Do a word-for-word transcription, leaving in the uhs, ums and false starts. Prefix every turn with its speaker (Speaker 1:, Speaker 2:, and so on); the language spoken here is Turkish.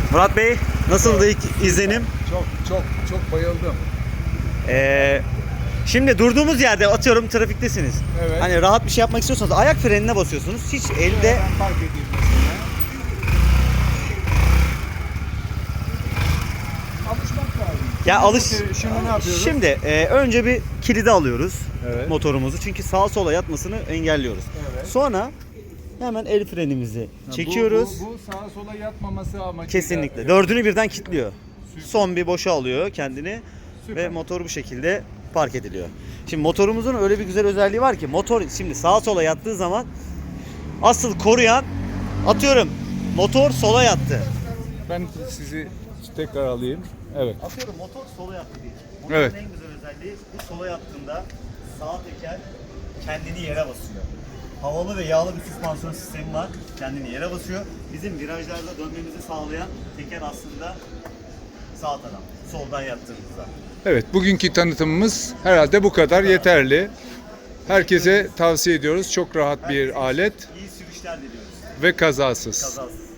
Speaker 1: Murat Bey, nasıldı ilk izlenim?
Speaker 2: Çok çok çok bayıldım.
Speaker 1: Ee, şimdi durduğumuz yerde atıyorum trafiktesiniz.
Speaker 2: Evet.
Speaker 1: Hani rahat bir şey yapmak istiyorsanız ayak frenine basıyorsunuz. Hiç elde
Speaker 2: Ben fark edeyim mesela. Alışmak lazım.
Speaker 1: ya alış.
Speaker 2: Şimdi ne yapıyoruz?
Speaker 1: Şimdi e, önce bir kilidi alıyoruz
Speaker 2: Evet.
Speaker 1: motorumuzu çünkü sağa sola yatmasını engelliyoruz.
Speaker 2: Evet.
Speaker 1: Sonra hemen el frenimizi
Speaker 2: Ha,
Speaker 1: çekiyoruz.
Speaker 2: Bu, bu, bu sağa sola yatmaması amacıyla.
Speaker 1: Kesinlikle. Dördünü birden kilitliyor. Son bir boşa alıyor kendini
Speaker 2: Süper.
Speaker 1: ve motor bu şekilde park ediliyor. Şimdi motorumuzun öyle bir güzel özelliği var ki motor şimdi sağa sola yattığı zaman asıl koruyan atıyorum motor sola yattı.
Speaker 2: Ben sizi tekrar alayım. Evet.
Speaker 1: Atıyorum motor sola yattı diye. Motorun
Speaker 2: Evet.
Speaker 1: en güzel özelliği bu sola yattığında sağ teker kendini yere basıyor. Havalı ve yağlı bir süspansiyon sistemi var. Kendini yere basıyor. Bizim virajlarda dönmemizi sağlayan teker aslında sağ taraf. Soldan yattığımızda.
Speaker 2: Evet, bugünkü tanıtımımız herhalde bu kadar yeterli. Herkese tavsiye ediyoruz. Çok rahat bir alet
Speaker 1: İyi sürüşler diliyoruz.
Speaker 2: ve kazasız.
Speaker 1: Kazasız.